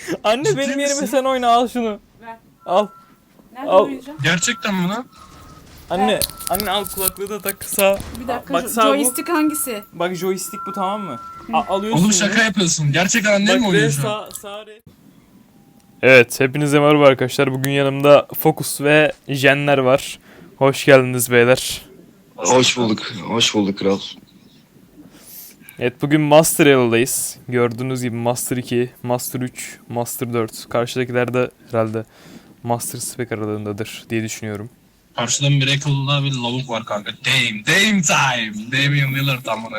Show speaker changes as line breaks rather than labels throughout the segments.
Anne
Ciddi
benim yerime
misin?
sen oyna, al şunu.
Ver.
Al.
Nerede
Al.
oynayacağım?
Gerçekten mi lan?
Anne, anne al kulaklığı da tak sağ.
Bir dakika.
Bak sağ bu.
Joystick hangisi?
Bak joystick bu, tamam mı? Alıyorsun.
Oğlum şaka yapıyorsun. Gerçekten annen mi
Bak
oynuyor
ve
şu an?
sağ Evet, hepinize merhaba arkadaşlar. Bugün yanımda Focus ve Jenler var. Hoş geldiniz beyler.
Hoş bulduk. Hoş bulduk kral.
Evet, bugün Master Level'dayız. Gördüğünüz gibi Master 2, Master 3, Master 4. Karşıdakiler de herhalde Master Spec aralığındadır diye düşünüyorum.
Karşıda Miracle'da bir lavuk var kanka. Dame time. Damian Lillard amına.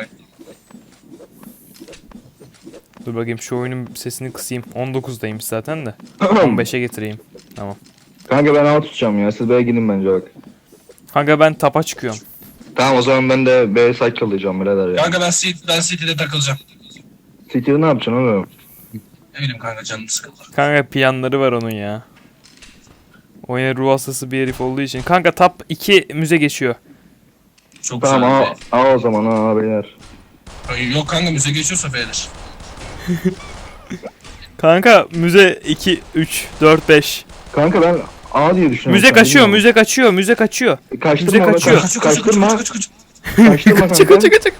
Dur bakayım, şu oyunun sesini kısayım. 19'dayım zaten de. 15'e getireyim. Tamam.
Kanka ben A tutacağım ya. Siz B'ye gidin bence bak.
Kanka ben tapa çıkıyorum.
Tamam o zaman ben de B site kalacağım birader ya.
Kanka ben City'de takılacağım.
City'de ne yapacaksın oğlum?
Ne bileyim kanka canım sıkıldı.
Kanka planları var onun ya. Oyuna ruh hastası bir herif olduğu için. Kanka top 2 müze geçiyor.
Çok
Tamam
güzel.
A o zaman A beyler.
Yok kanka müze geçiyorsa F'dir.
Kanka müze 2, 3, 4, 5.
Kanka ben A diye düşünüyorum.
Müze
Sen
kaçıyor,
bilmiyorum.
müze kaçıyor, müze kaçıyor.
Kaçtırma
müze
lan,
kaçıyor.
Kaçtırma.
Kaç.
Kaçtırma kanka.
Kaçıyor.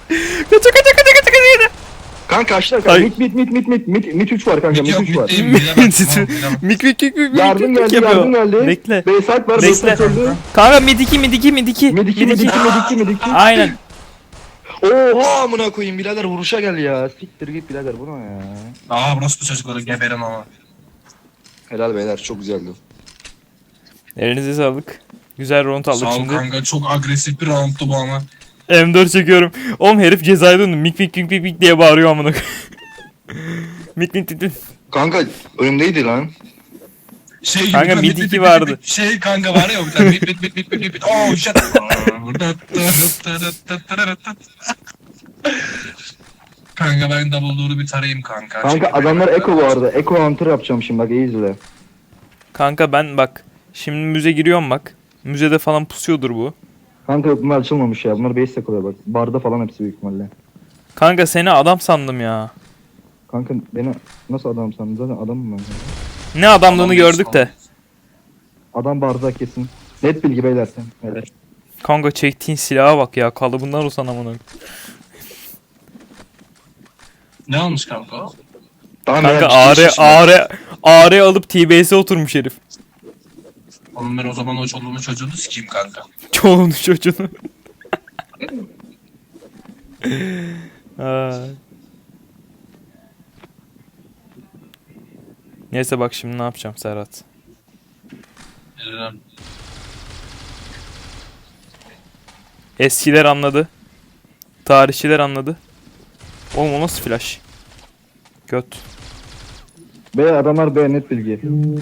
Kanka kaçtır
Ay.
kanka. Mit 3 var kanka.
Mit yok,
Mit 3 var.
mit değil. Bilemem, tamam, bilemem.
Mik
Yardım geldi
yapıyor. Bekle.
B site var. B
Bekle.
site öldü.
Kanka mid 2.
Mid 2.
Aynen.
Oha amına koyayım birader vuruşa gel ya. Siktir git birader bu ne ya.
Aa burası bu çocukları geberim ama.
Helal beyler çok güzeldi.
Elinize sağlık. Güzel round aldık
Sağ ol
şimdi.
kanka çok agresif bir roundtu bu ama.
M4 çekiyorum. Oğlum herif cezaya döndü. Mik diye bağırıyor amına. Mik.
Kanka önümdeydi lan.
Şey gibi
Kanka,
kan-
mid iki vardı.
Şey kanka var ya bir tane mit. Oh shit. Kanka ben double door'u bir tarayayım kanka.
Kanka
Çekil.
adamlar Echo bu arada. Echo Hunter yapacağım şimdi bak iyi izle.
Kanka ben bak. Şimdi müze giriyorum bak. Müzede falan pusuyordur bu.
Kanka bunlar açılmamış ya. Bunlar base takılıyor bak. Barda falan hepsi büyük ihtimalle.
Kanka seni adam sandım ya.
Kanka beni nasıl adam sandın? Zaten adamım ben.
Ne adamlığını
Adam
gördük de.
Adam barda kesin. Net bilgi beyler sen. Evet.
Kanka çektiğin silaha bak ya. Kalıbından usan amına.
Ne almış kanka o?
Tamam
Kanka
beyler,
ağrı alıp T-Base'e oturmuş herif.
Oğlum ben o zaman o çoluğunu çocuğunu sikeyim kanka.
Çoğunu çocuğunu. Ay. Neyse bak şimdi ne yapacağım Serhat. Eskiler anladı. Tarihçiler anladı. Oğlum o nasıl flash? Göt.
Beyler adamlar B net bilgi.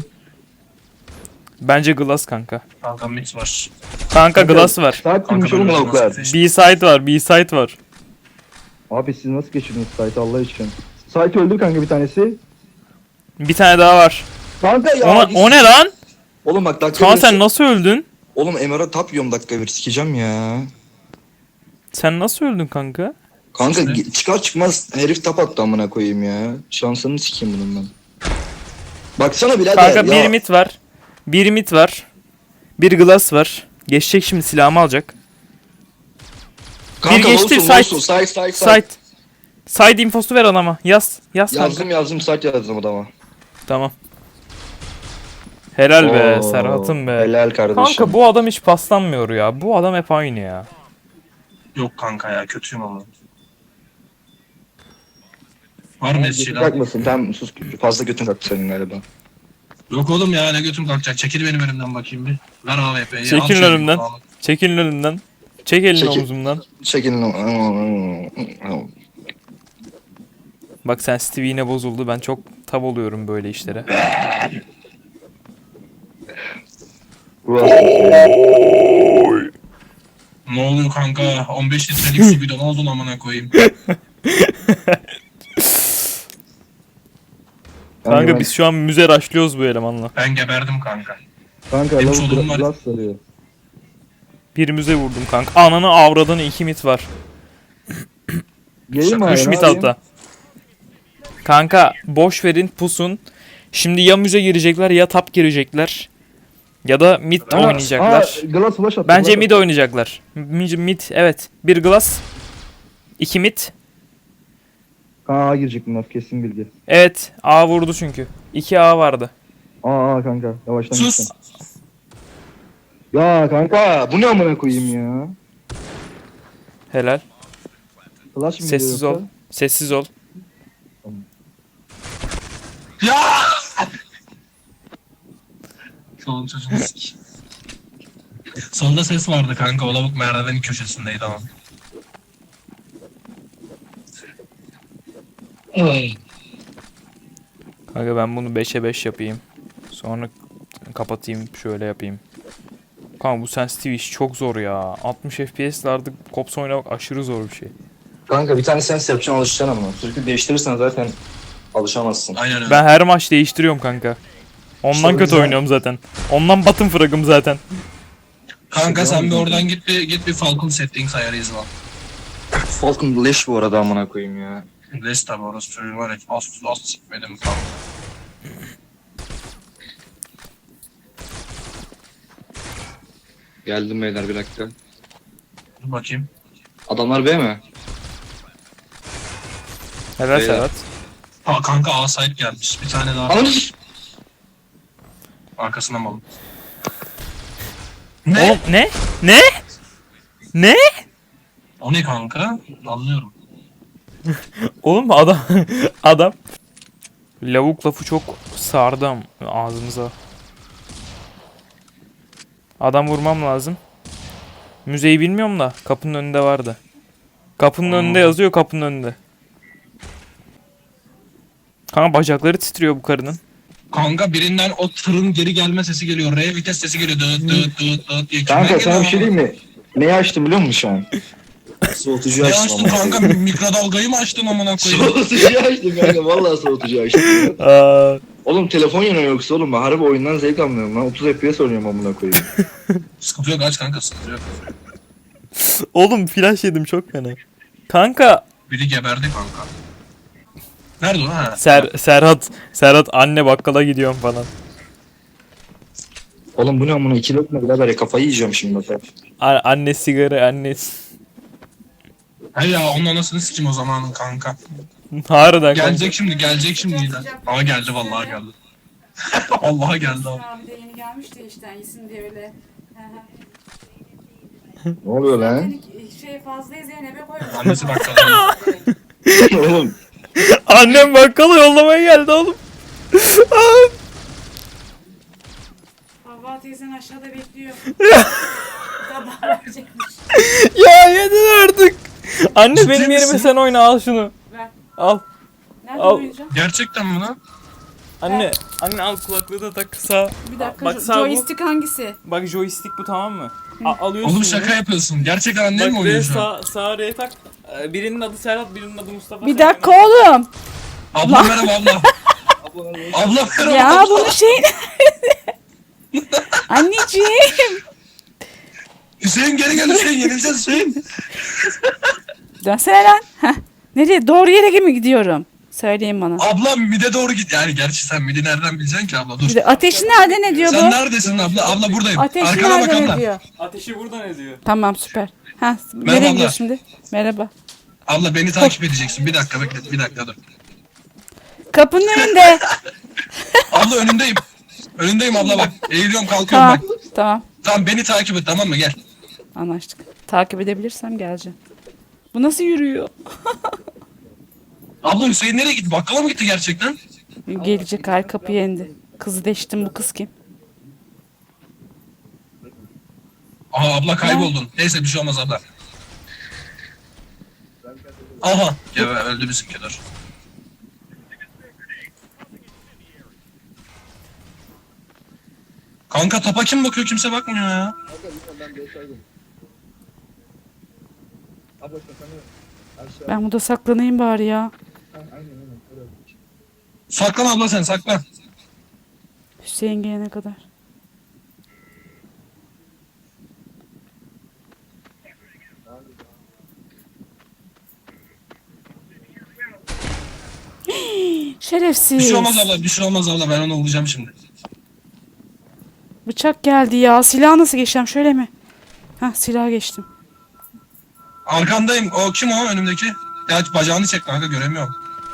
Bence Glass kanka.
Kanka mix var.
Kanka Glass var.
Saat kimmiş oğlum
böyle
lavuklar.
nasıl-
B-side var, B-side var.
Abi siz nasıl geçirdiniz site Allah için? Site öldü kanka bir tanesi.
Bir tane daha var.
Kanka ya.
O ne lan?
Oğlum bak dakika
Kaan
bir-
sen nasıl öldün?
Oğlum MR'a tap yiyorum dakika bir sikeceğim ya.
Sen nasıl öldün kanka?
Kanka
İşte.
çıkar çıkmaz herif tap attı amına koyayım ya. Şansını sikeyim bunun ben. Baksana birader
Kanka
ya.
bir mid var. Bir mid var. Bir Glass var. Geçecek şimdi, silahımı alacak.
Kanka
bir geçti,
olsun,
site.
site.
Side. Side infosu ver adama. Yaz kanka.
Yazdım site yazdım adama.
Tamam. Helal be
Oo,
Serhat'ım be.
Helal kardeşim.
Kanka bu adam hiç paslanmıyor ya. Bu adam hep aynı ya.
Yok kanka ya kötüyüm ama. Var mı
Götün
eskiler?
kalkmasın tamam sus fazla götün kalktı senin galiba.
Yok oğlum ya ne götüm kalkacak. Çekil benim önümden bakayım bir. Ver AWP'yi.
Çekil
al şunu,
önümden.
al.
Çekilin önümden. Çek elini
Çekil.
omzumdan.
Çekilin.
Bak sen Stevie yine bozuldu. Ben çok tab oluyorum böyle işlere.
Ne oluyor kanka? 15 litrelik su bidon oldun amına koyayım.
Kanka biz şu an müze raşlıyoruz bu elemanla.
Ben geberdim kanka.
Kanka
Benim
lavuk
çoluğum var.
glass sarıyor.
Bir müze vurdum kanka. Ananı avradını 2 mit var.
Geleyim mi
3
abi,
mit
ne yapayım?
altta. Kanka boş verin pusun. Şimdi ya müze girecekler ya top girecekler. Ya da mid oynayacaklar.
Glass flash attı.
Bence
flash
mid
attı.
oynayacaklar. Mid evet. Bir glass. 2 mid.
A girecek bunlar kesin bilgi.
Evet. A vurdu çünkü. 2 A vardı.
Aa kanka yavaştan
Sus.
gitsen. Ya kanka bu ne amına koyayım ya.
Helal.
Flash mı
Sessiz
geliyor
ol. Sessiz ol.
Ya! Solun çocuğunu sik. Solda ses vardı kanka. O lavuk merdivenin köşesindeydi ama.
Kanka ben bunu 5'e 5 yapayım. Sonra kapatayım şöyle yapayım. Kanka bu sensitive iş çok zor ya. 60 FPS'lerde Cops oynamak aşırı zor bir şey.
Kanka bir tane sens yapacaksın alışacaksın ama. Sürekli değiştirirsen zaten alışamazsın.
Aynen öyle.
Ben her maç değiştiriyorum kanka. Ondan
İşte o
kötü
yüzden-
oynuyorum zaten. Ondan bottom frag'ım zaten.
Kanka sen bir oradan git bir Falcon settings ayarı izle.
Falcon leş bu arada amına koyayım ya.
Les tabi orası çocuğun var ya az sikmedim falan.
Geldim beyler bir dakika.
Dur bakayım.
Adamlar B mi?
Helal
Beyler.
Serhat.
Ha kanka A site gelmiş. Bir tane daha.
Ananı
Arkasına malım. Ne?
Oğlum ne? Ne? Ne?
O ne kanka? Anlıyorum.
Oğlum adam adam lavuk lafı çok sardı ağzımıza. Adam vurmam lazım. Müzeyi bilmiyorum da kapının önünde vardı. Kapının önünde yazıyor, kapının önünde. Kanka bacakları titriyor bu karının.
Kanka birinden o tırın geri gelme sesi geliyor. R vites sesi geliyor. Dıt dıt dıt dıt diye.
Kanka
Kimden
sana
geliyor
bir şey
ama?
diyeyim mi? Neyi açtım biliyor musun şu an? Soğutucu
Ne
açtım.
açtın
amına
kanka?
koyayım.
Mikrodalgayı mı açtın amına koyayım?
Soğutucu açtım kanka vallahi soğutucu açtım.
Aa,
Oğlum telefon yanıyor yoksa oğlum ben harbi oyundan zevk almıyorum lan. 30 FPS oynuyorum amına koyayım.
Sıkıntı yok aç kanka sıkıntı yok.
oğlum flash yedim çok fena. Kanka
Biri geberdi kanka. Nerede o ha?
Serhat anne bakkala gidiyorum falan.
Oğlum bu ne amına 2 lokma birader ya kafayı yiyeceğim şimdi bak.
Anne sigara anne.
He ya onun anasını sikim o zamanın kanka.
Harbiden kanka.
Gelecek şimdi. Ama geldi vallahi geldi. Vallahi geldi abi.
Abi de yeni gelmiş de işte iyisin diye öyle.
Ne oluyor lan?
Şey fazla Zeynep'e koymuş.
Annesi bakkala.
Oğlum
Annem bakkala yollamaya geldi oğlum.
Havva teyzen aşağıda bekliyor. Sabah verecekmiş.
Ya yedin artık. Anne
Ciddi
benim yerime
misin?
sen oyna al şunu.
Ver.
Al.
Nerede
Al.
oynayacağım?
Gerçekten mi lan?
Anne al kulaklığı da tak sağ.
Bir dakika.
Bak sağ bu.
Joystick hangisi?
Bak joystick bu tamam mı? Alıyorsun.
Oğlum
bunu.
şaka yapıyorsun. Gerçekten annen mi
Bak
oynuyor
R
şu an?
sağ R'ye tak. Birinin adı Serhat, birinin adı Mustafa.
Bir
sen
dakika
yana-
oğlum.
Abla merhaba abla. Abla merhaba.
Ya bunu şey Anneciğim.
Hüseyin geri gel Hüseyin yenileceğiz Hüseyin.
Dönsene lan. Heh. Nereye? Doğru yere mi gidiyorum? Söyleyin bana.
Abla mide doğru git. Yani gerçi sen midi nereden bileceksin ki abla dur.
Bir de ateşi nerede ne diyor
Sen
bu?
neredesin abla? Abla buradayım.
Ateşi
Arkana bak
nerede ne
abla.
diyor?
Ateşi buradan ediyor.
Tamam süper. Ha,
Merhaba
nereye
abla.
gidiyor şimdi? Merhaba.
Abla beni takip edeceksin. Bir dakika bekle. Bir dakika dur.
Kapının önünde.
Abla önündeyim. Önündeyim abla bak. Eğiliyorum kalkıyorum
Tamam.
bak.
Tamam.
Tamam beni takip et tamam mı? Gel.
Anlaştık. Takip edebilirsem geleceğim. Bu nasıl yürüyor?
Abla Hüseyin nereye gitti? Bakkala mı gitti gerçekten?
Gelecek ay kapıya indi. Kızı deştim bu kız kim?
Aha abla kayboldun. Neyse bir şey olmaz abla. Aha. Ya öldü bizimki dur. Kanka topa kim bakıyor kimse bakmıyor ya.
Ben burada saklanayım bari ya.
Saklan abla sen saklan.
Hüseyin gelene kadar. Şerefsiz.
Bir şey olmaz abla, bir şey olmaz abla. Ben onu vuracağım şimdi.
Bıçak geldi ya. Silah nasıl geçeceğim? Şöyle mi? Hah, silah geçtim.
Arkandayım. O kim o önümdeki? Ya bacağını çek kanka, göremiyorum.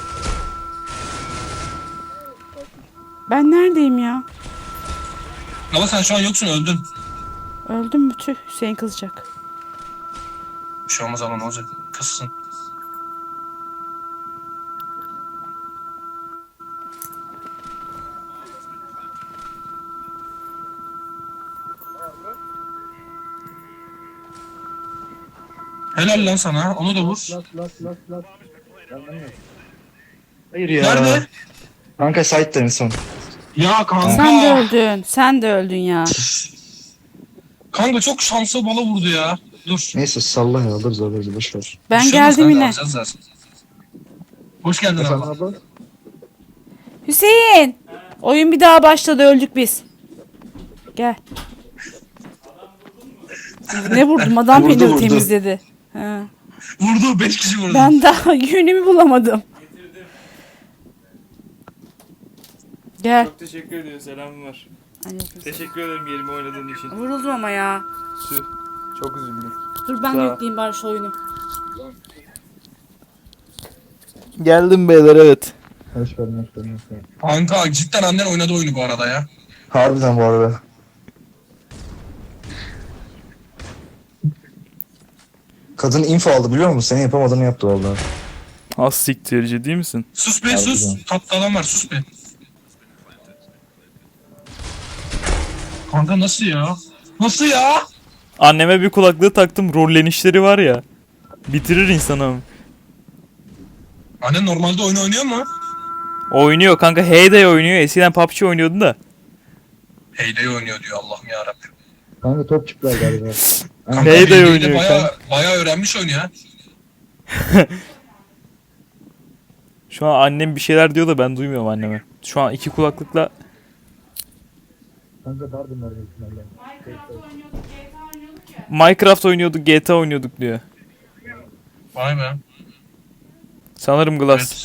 Ben neredeyim ya?
Ama sen şu an yoksun, öldün.
Öldüm mü? Tüh, Hüseyin kızacak.
Bir şey olmaz abla, ne olacak? Kızsın. Helal lan sana. Onu da vur.
Hayır ya.
Nerede?
Kanka site'da en son.
Ya kanka.
Sen de öldün. Sen de öldün ya.
Kanka çok şanslı bala vurdu ya. Dur.
Neyse salla ya, alırız boşver.
Ben
Bir şey olmaz
geldim
kanka,
yine.
alacağız zaten. Hoş geldin
Efendim
abla.
abla?
Hüseyin! Oyun bir daha başladı. Öldük biz. Gel. Ne vurdum? Adam
Vurdu,
beni
vurdu.
temizledi. Ha.
Vurdu, 5 kişi vurdu.
Ben daha yönümü bulamadım. Gel.
Çok teşekkür ediyorum. Selamım var.
Aleyküm.
Teşekkür ederim yerime oynadığın için.
Vuruldum ama ya.
Tüh. Çok üzüldüm.
Dur ben
Sağ ol.
yükleyeyim bari şu oyunu.
Geldim beyler, evet.
Hoş geldin.
Kanka cidden annen oynadı oyunu bu arada ya.
Harbiden bu arada. Kadın info aldı biliyor musun? Senin yapamadığını yaptı vallahi.
Az siktir, ciddi misin?
Sus be
Harbiden.
sus. Tatlı adam var, sus be. Kanka nasıl ya? Nasıl ya?
Anneme bir kulaklığı taktım, rollenişleri var ya. Bitirir insanı.
Annen normalde oyun oynuyor mu?
Oynuyor kanka, Heyday oynuyor. Eskiden PUBG oynuyordu da.
Heyday oynuyor diyor, Allah'ım yarabbim.
Kanka top çıktılar galiba.
Kanka
Heyday
Heyday'de
oynuyor
bayağı öğrenmiş oyunu ya.
Şu an annem bir şeyler diyor da ben duymuyorum anneme. Şu an iki kulaklıkla
Kanka pardon var ihtimalle.
Minecraft oynuyorduk, GTA oynuyorduk diyor.
Vay be.
Sanırım Glass.
Evet.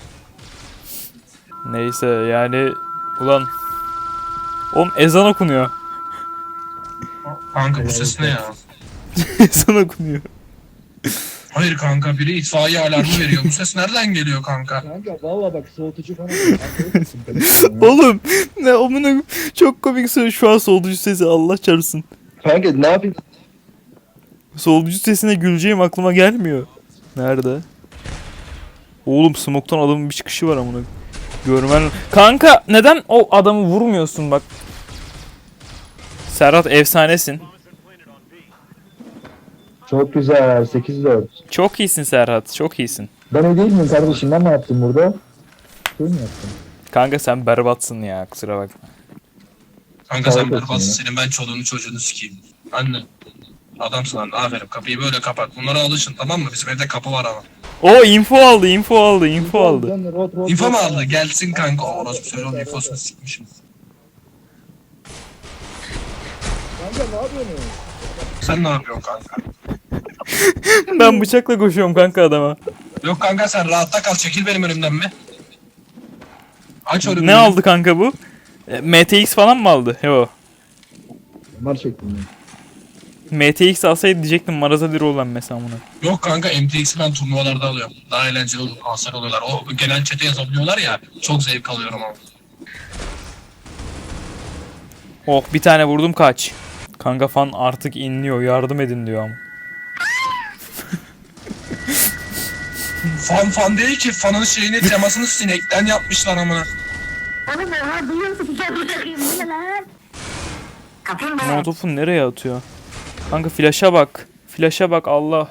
Neyse yani ulan. Oğlum ezan okunuyor.
Kanka bu ses ne ya?
Ezan okunuyor.
Hayır kanka, biri itfaiye alarmı veriyor. Bu ses nereden geliyor kanka?
Kanka valla bak soğutucu falan.
Oğlum ne amına çok komik söylüyor şu an solducu sesi, Allah çarpsın.
Kanka ne yapayım?
Solducu sesine güleceğim aklıma gelmiyor. Nerede? Oğlum smoke'tan adamın bir çıkışı var amına. Görmen. Kanka neden o adamı vurmuyorsun bak. Serhat efsanesin.
Çok güzel 8-4.
Çok iyisin Serhat, çok iyisin.
Ben o değil miyim kardeşim? Ben ne yaptım burada? Şey mi yaptım?
Kanka sen berbatsın ya, kusura bakma.
Kanka sen
Sağlık olsun
berbatsın,
ya.
senin ben çoluğunu çocuğunu sikeyim. Anne. Adamsın anne, aferin, kapıyı böyle kapat. Bunlara alışın, tamam mı? Bizim evde kapı var ama.
O info aldı, info aldı, info aldı.
İnfo mu aldı? Gelsin kanka. Orası söyle, onun infosunu sikmişim.
Kanka ne yapıyorsun?
Sen ne yapıyorsun kanka?
Ben bıçakla koşuyorum kanka adama.
Yok kanka, sen rahatta kal, çekil benim önümden mi? Aç önümü.
Ne aldı kanka bu? MTX falan mı aldı? Yo.
Mar çektim ben.
MTX alsaydı diyecektim Maraz'a lira olan mesela bunu.
Yok kanka, MTX'i ben turnuvalarda alıyorum. Daha eğlenceli olur, hasar oluyorlar. O genel chat'e yazabiliyorlar ya, çok zevk alıyorum ama.
Oh bir tane vurdum, kaç. Kanka fan artık inliyor, yardım edin diyor ama.
Fan değil ki, fanın şeyini, temasını sinekten yapmışlar amına.
Oğlum oha duyuyor musun? Bıçak bıçakayım bu ne lan? Kapıyı mı?
Molotof'u nereye atıyor? Kanka flash'a bak. Flash'a bak Allah.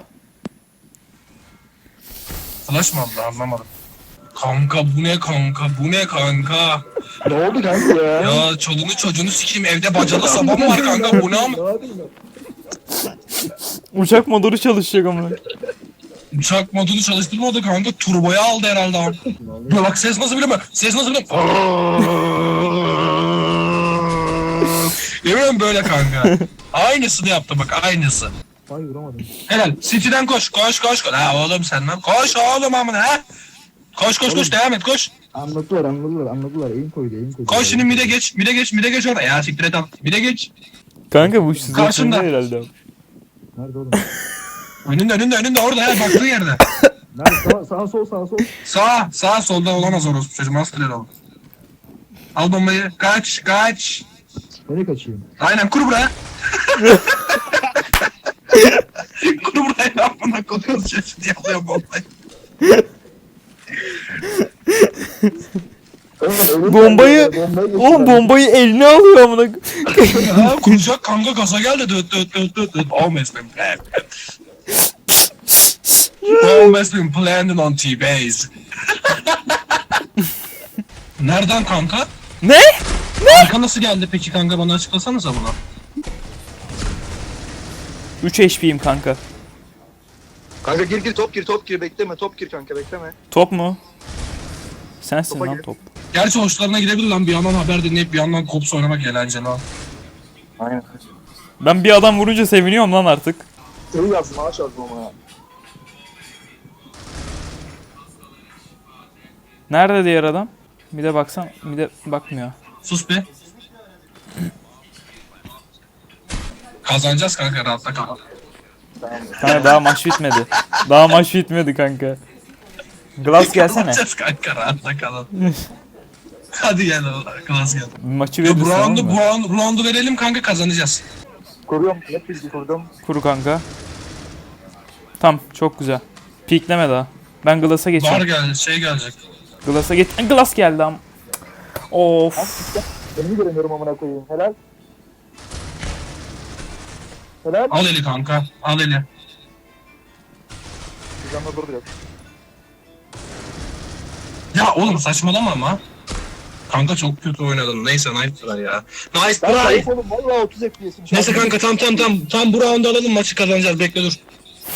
Flash mı aldı, anlamadım. Kanka bu ne kanka, bu ne kanka?
Ne oldu kanka ya?
Ya çoluğunu çocuğunu sikeyim, evde bacalı sabah mı var kanka, bu ne ama?
Uçak motoru çalışacak ama.
Uçak modunu çalıştırmadı kanka, turboya aldı herhalde abi. Ya bak ses nasıl biliyor musun? Ses nasıl biliyor musun? Yemin böyle kanka. Aynısını yaptı bak, aynısı.
Ay vuramadım.
Helal. City'den koş. Koş. Ha oğlum sen lan. Koş oğlum amına ha. Koş devam et koş.
Anladılar. Eğim koydu.
Koş şimdi mide geç orada. Ya siktir et al. Mide geç.
Kanka bu şizofreni
Karşında.
herhalde.
Nerede oğlum?
Önünde orada ya baktığı yerde.
Nerede? Sağ sol.
Sağ solda olamaz orası çocuğum. Nasıl olur? Al bombayı. Kaç.
Nereye kaçayım?
Aynen kur buraya. Kur buraya lan bana koyuyoruz çocuğu diye alıyor bombayı.
Bombayı oğlum bombayı eline alıyor amına.
Ya kuracak kanka gaza geldi. Dıt. Almost been planned. Almost been planned on T-Base. Nereden kanka?
Ne?
Kanka nasıl geldi peki kanka bana açıklasanıza bunu.
3 HP'yim kanka.
Kanka gir top gir bekleme top gir kanka bekleme.
Top mu? Sensin
Topa
lan
gir.
top.
Gerçi hoşlarına gidebilir lan bir yandan haber dinleyip bir yandan kops oynamak eğlenceli lan.
Aynen.
Ben bir adam vurunca seviniyorum lan artık.
Seni yazdım ağaç yazdım ama.
Nerede diğer adam? Bir de baksam, bir de bakmıyor.
Sus be. Kazanacağız kanka rahatla kal.
Kanka daha maç bitmedi kanka. Glass gelsene.
Kazanacağız kanka rahatla kalın. Hadi gel klas gel.
Maçı
Ya
verirsin tamam mı?
roundu verelim kanka kazanacağız.
Koruyorum. Net bilgi kurdum.
Kuru kanka. Tam çok güzel. Pikleme daha. Ben Glass'a
Var
geçiyorum.
gelecek.
Glass'a geç. Glass geldi am. Of.
Beni göremiyorum amına koyayım. Helal.
Al eli kanka al eli.
Canla dur biraz.
Ya oğlum saçmalama ama. Kanka çok kötü oynadın. Neyse nice try ya. Nice try.
Oğlum valla 30 FPS'im.
Neyse kanka tam bu roundu alalım maçı kazanacağız bekle dur.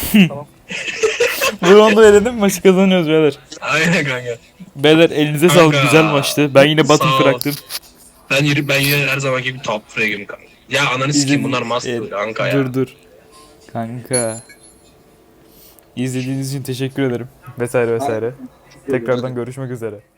Bu roundu verelim maçı kazanıyoruz beyler.
Aynen kanka.
Beyler elinize
Kanka.
sağlık güzel maçtı. Ben yine
Sağ
battle
ol.
bıraktım.
Ben yine her zamanki gibi top frag'im kanka. Ya ananı sikeyim bunlar master kanka ya.
Dur. Kanka. İzlediğiniz için teşekkür ederim. Vesaire. Tekrardan görüşmek üzere.